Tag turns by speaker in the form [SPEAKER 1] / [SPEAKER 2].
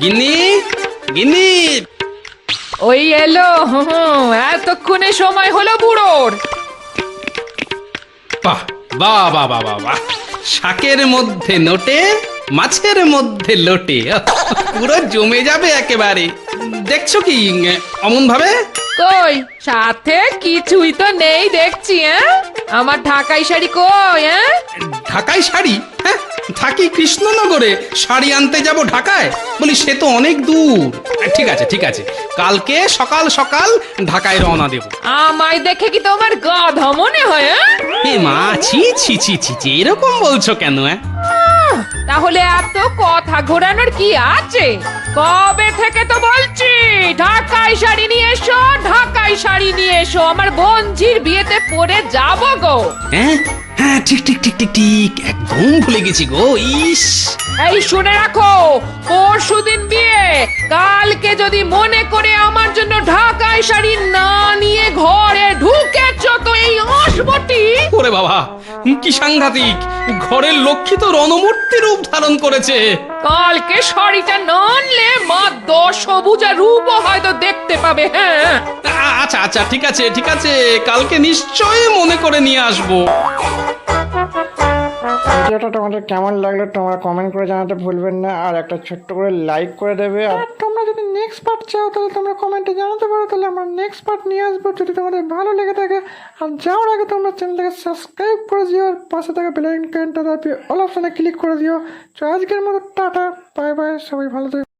[SPEAKER 1] গিন্নি, গিন্নি।
[SPEAKER 2] ওই এলো। এতক্ষণে সময় হলো বুড়োর।
[SPEAKER 1] বাহ বাহ বাহ বাহ বাহ বাহ, শাকের মধ্যে নোটে, মাছের মধ্যে লোটে, পুরো জমে যাবে একেবারে। দেখছো কি অমন ভাবে?
[SPEAKER 2] কই সাথে কিছুই তো নেই দেখছি। আমার ঢাকাই শাড়ি কই?
[SPEAKER 1] ঢাকায় শাড়ি? হ্যাঁ, থাকি কৃষ্ণনগরে, শাড়ি আনতে যাব ঢাকায়? বলি সে তো অনেক দূর। ঠিক আছে ঠিক আছে, কালকে সকাল সকাল ঢাকায় রওনা দেব।
[SPEAKER 2] আমায় দেখে কি তোমার গাধা মনে হয়?
[SPEAKER 1] এ মা, ছি ছি ছি ছি ছি, এরকম বলছো কেন?
[SPEAKER 2] তাহলে এত কথা ঘোরানোর কি আছে? কবে থেকে তো বলছি ঢাকাই শাড়ি নিয়ে এসো, ঢাকাই শাড়ি নিয়ে এসো, আমার বোনঝির বিয়েতে পরে যাব গো।
[SPEAKER 1] হ্যাঁ হ্যাঁ, ঠিক ঠিক ঠিক ঠিক ঠিক, একদম ভুলে গেছি গো। ইস,
[SPEAKER 2] এই শুনে রাখো, পরশুদিন বিয়ে, কালকে যদি মনে করে আমার জন্য ঢাকাই শাড়ি না নিয়ে ঘরে ঢুকেছ তো এই অসবটি।
[SPEAKER 1] ওরে বাবা, কি সাংঘাতিক! ঘরের লক্ষ্মী তো রণমূর্তি রূপ ধারণ করেছে।
[SPEAKER 2] কালকে শাড়িটা না আনলে মা দশভুজা রূপও হয়তো দেখতে পাবে। হ্যাঁ
[SPEAKER 1] আচ্ছা আচ্ছা, ঠিক আছে ঠিক আছে, কালকে নিশ্চয়ই মনে করে নিয়ে আসবো।
[SPEAKER 3] ভিডিওটা তোমাদের কেমন লাগলো তোমরা কমেন্ট করে জানাতে ভুলবেন না, আর একটা ছোট্ট করে লাইক করে দেবে। আর তোমরা যদি নেক্সট পার্ট চাও তাহলে তোমরা কমেন্টে জানাতে পারো, তাহলে আমরা নেক্সট পার্ট নিয়ে আসবো যদি তোমাদের ভালো লেগে থাকে। আর যাওয়ার আগে তোমরা চ্যানেলটাকে সাবস্ক্রাইব করে দিও, আর পাশে থাকা বেল আইকনটা দাবিয়ে অল অপশনে ক্লিক করে দিও। তো আজকের মতো টাটা, বাই বাই, সবাই ভালো থাকবে।